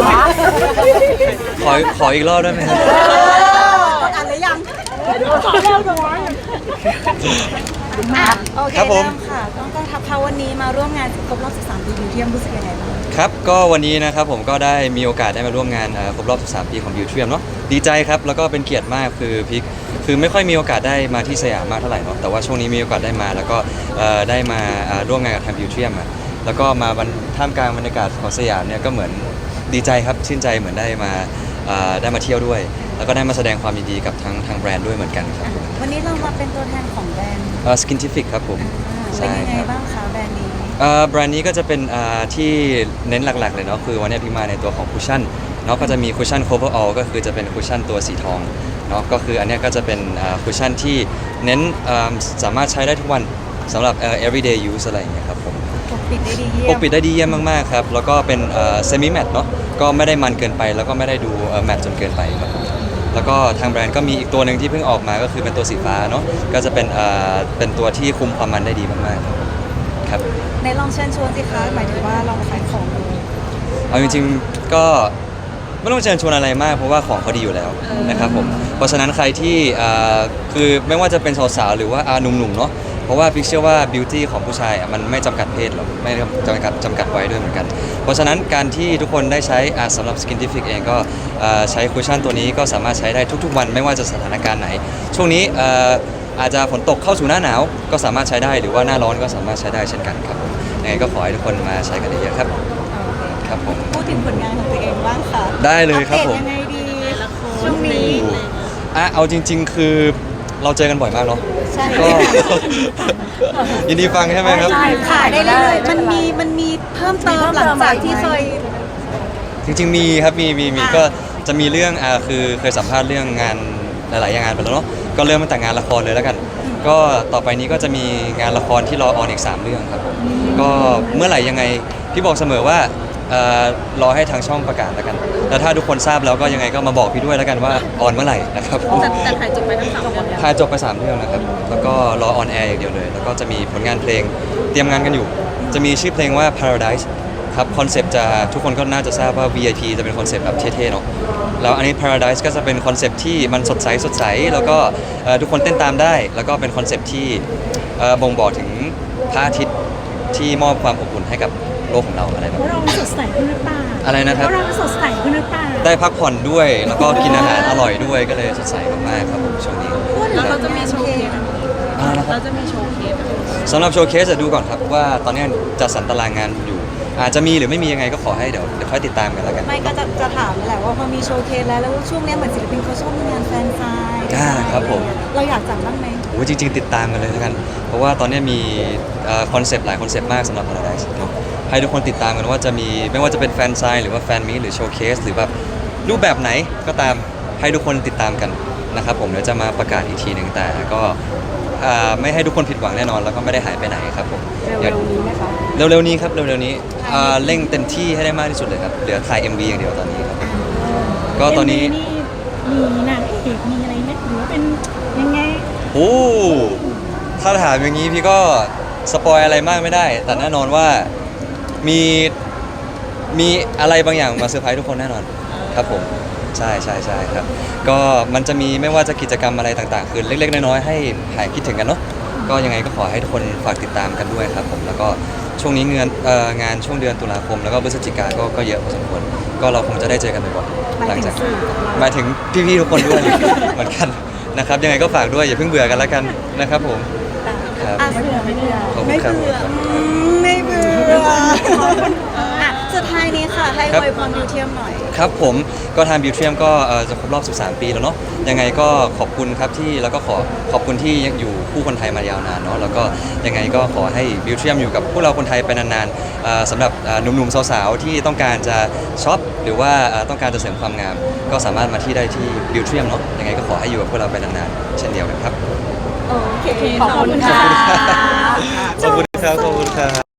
ขออีกรอบได้ไหมครับอ่านหรือยังโอเคครับผมเริ่มค่ะต้องทักเขาวันนี้มาร่วมงานครบรอบ13 ปีบิวเทียมรู้สึกยังไงบ้างครับก็วันนี้นะครับผมก็ได้มีโอกาสได้มาร่วมงานครบรอบ13 ปีของบิวเทียมเนาะดีใจครับแล้วก็เป็นเกียรติมากคือพิกคือไม่ค่อยมีโอกาสได้มาที่สยามมากเท่าไหร่เนาะแต่ว่าช่วงนี้มีโอกาสได้มาแล้วก็ได้มาร่วมงานกับทางบิวเทียมแล้วก็มาท่ามกลางบรรยากาศของสยามเนี่ยก็เหมือนดีใจครับชื่นใจเหมือนได้มาเที่ยวด้วย แล้วก็ได้มาแสดงความยินดีกับทางแบรนด์ด้วยเหมือนกันครับวันนี้เรามาเป็นตัวแทนของแบรนด์ Skintific ครับผมเป็นยังไงบ้างคะแบรนด์นี้แบรนด์นี้ก็จะเป็นที่เน้นหลักๆเลยเนาะคือวันนี้พี่มาในตัวของคุชชั่นเนาะก็จะมีคุชชั่น cover all ก็คือจะเป็นคุชชั่นตัวสีทองเนาะก็คืออันนี้ก็จะเป็นคุชชั่นที่เน้นสามารถใช้ได้ทุกวันสำหรับeveryday use อะไรอย่างเงี้ยครับผมปกปิดได้ดีเยี่ยมปกปิดได้ดีเยี่ยมมากๆครับแล้วก็เป็นsemi matte เนาะก็ไม่ได้มันเกินไปแล้วก็ไม่ได้ดูแมตจนเกินไปครับแล้วก็ทางแบรนด์ก็มีอีกตัวหนึ่งที่เพิ่งออกมาก็คือเป็นตัวสีฟ้าเนาะก็จะเป็นตัวที่คุมความมันได้ดีมากๆครับในลองเชิญชวนสิคะหมายถึงว่าลองขายของดูเอาจริงๆก็ไม่ต้องเชิญชวนอะไรมากเพราะว่าของเขาดีอยู่แล้วนะครับผมเพราะฉะนั้นใครที่คือไม่ว่าจะเป็นสาวๆหรือว่าหนุ่มๆเนาะเพราะว่าพิกเชื่อว่าบิวตี้ของผู้ชายมันไม่จำกัดเพศหรอกไม่จำกัดไว้ด้วยเหมือนกันเพราะฉะนั้นการที่ทุกคนได้ใช้สำหรับ Skintific เองก็ใช้คุชชั่นตัวนี้ก็สามารถใช้ได้ทุกๆวันไม่ว่าจะสถานการณ์ไหนช่วงนี้อาจจะฝนตกเข้าสู่หน้าหนาวก็สามารถใช้ได้หรือว่าหน้าร้อนก็สามารถใช้ได้เช่นกันครับยังไงก็ขอให้ทุกคนมาใช้กันเยอะๆครับครับผมพูดถึงผลงานของตัวเองบ้างค่ะได้เลยครับผมยังไงดีช่วงนี้เอาจริงๆคือเราเจอกันบ่อยมากเนาะใช่ก็ยินดีฟังใช่ไหมครับขายได้เลยมันมีเพิ่มเติมหลังจากที่เคยจริงๆมีครับมีก็จะมีเรื่องคือเคยสัมภาษณ์เรื่องงานหลายๆงานไปแล้วเนาะก็เริ่มมาแต่งานละครเลยแล้วกันก็ต่อไปนี้ก็จะมีงานละครที่รอออนอีก3 เรื่องครับผมก็เมื่อไหร่ยังไงพี่บอกเสมอว่ารอให้ทางช่องประกาศแล้วกันแล้วถ้าทุกคนทราบแล้วก็ยังไงก็มาบอกพี่ด้วยแล้วกันว่าออนเมื่อไหร่นะครับแต่ถ่ายจบไปทั้ง3 เรื่องถ่ายจบไป3 เรื่องนะครับแล้วก็รอออนแอร์อย่างเดียวเลยแล้วก็จะมีผลงานเพลงเตรียมงานกันอยู่จะมีชื่อเพลงว่า Paradise ครับคอนเซปต์จะทุกคนก็น่าจะทราบว่า VIP จะเป็นคอนเซปต์แบบเท่ๆเนาะแล้วอันนี้ Paradise ก็จะเป็นคอนเซปต์ที่มันสดใสแล้วก็ทุกคนเต้นตามได้แล้วก็เป็นคอนเซปต์ที่บ่งบอกถึงพระอาทิตย์ที่มอบความอบอุ่นให้กับโลกของเราอะไรแบบนี้เราสดใสขึ้นหรือเปล่าอะไรนะครับเราสดใสขึ้นหรือเปล่าได้พักผ่อนด้วยแล้วก็กินอาหารอร่อยด้วยก็เลยสดใสมากๆครับผมช่วงนี้แล้วเราจะมีโชว์เคสเราจะมีโชว์เคสสำหรับโชว์เคสจะดูก่อนครับว่าตอนนี้จัดสรรตารางงานอยู่อาจจะมีหรือไม่มียังไงก็ขอให้เดี๋ยวค่อยติดตามกันแล้วกันไม่ก็จะถามแหละว่าพอมีโชว์เคสแล้วช่วงนี้เหมือนศิลปินเขาชอบมีงานแฟนไซน์ครับผมเราอยากจัดบ้างไหมโอ้จริงๆติดตามกันเลยแล้วกันเพราะว่าตอนนี้มีคอนเซปต์หลายคอนเซปต์มากสำหรับ Paradise เนาะให้ทุกคนติดตามกันว่าจะมีไม่ว่าจะเป็นแฟนไซน์หรือว่าแฟนมีตหรือโชว์เคสหรือแบบรูปแบบไหนก็ตามให้ทุกคนติดตามกันนะครับผมเดี๋ยวจะมาประกาศอีกทีหนึ่งแต่ก็ไม่ให้ทุกคนผิดหวังแน่นอนแล้วก็ไม่ได้หายไปไหนครับผมเร็วๆนี้ไหมคะเร็วๆนี้ครับเร็วๆนี้เร่งเต็มที่ให้ได้มากที่สุดเลยครับเหลือถ่าย MV อย่างเดียวตอนนี้ครับก็ตอนนี้มีนางเอกมีอะไรไหมหรือว่าเป็นยังไงโอ้ถ้าถามอย่างนี้พี่ก็สปอยอะไรมากไม่ได้แต่แน่นอนว่ามีอะไรบางอย่างมาเซอร์ไพรส์ทุกคนแน่นอนครับผมใช่ครับก็มันจะมีไม่ว่าจะกิจกรรมอะไรต่างๆคือเล็กๆน้อยๆให้หายคิดถึงกันเนาะก็ยังไงก็ขอให้ทุกคนฝากติดตามกันด้วยครับผมแล้วก็ช่วงนี้งานช่วงเดือนตุลาคมแล้วก็พฤศจิกาก็เยอะพอสมควรก็เราคงจะได้เจอกันบ่อยๆหลังจากหมายถึงพี่ๆทุกคนด้วยเหมือนกันนะครับยังไงก็ฝากด้วยอย่าเพิ่งเบื่อกันแล้วกันนะครับผมครับไม่เบื่อขอบคุณครับไม่เบื่อสุดท้ายนี้ค่ะให้อวยพรบิวเทียมหน่อยครับผมก็ทางบิวเทียมก็จะครบรอบ13 ปีแล้วเนาะยังไงก็ขอบคุณครับที่แล้วก็ขอบคุณที่ยังอยู่คู่คนไทยมายาวนานเนาะแล้วก็ยังไงก็ขอให้บิวเทียมอยู่กับพวกเราคนไทยไปนานๆสำหรับหนุ่มๆสาวๆที่ต้องการจะช็อปหรือว่าต้องการจะเสริมความงามก็สามารถมาที่ได้ที่บิวเทียมเนาะยังไงก็ขอให้อยู่กับพวกเราไปนานๆเช่นเดียวกันครับโอเคขอบคุณค่ะขอบคุณครับ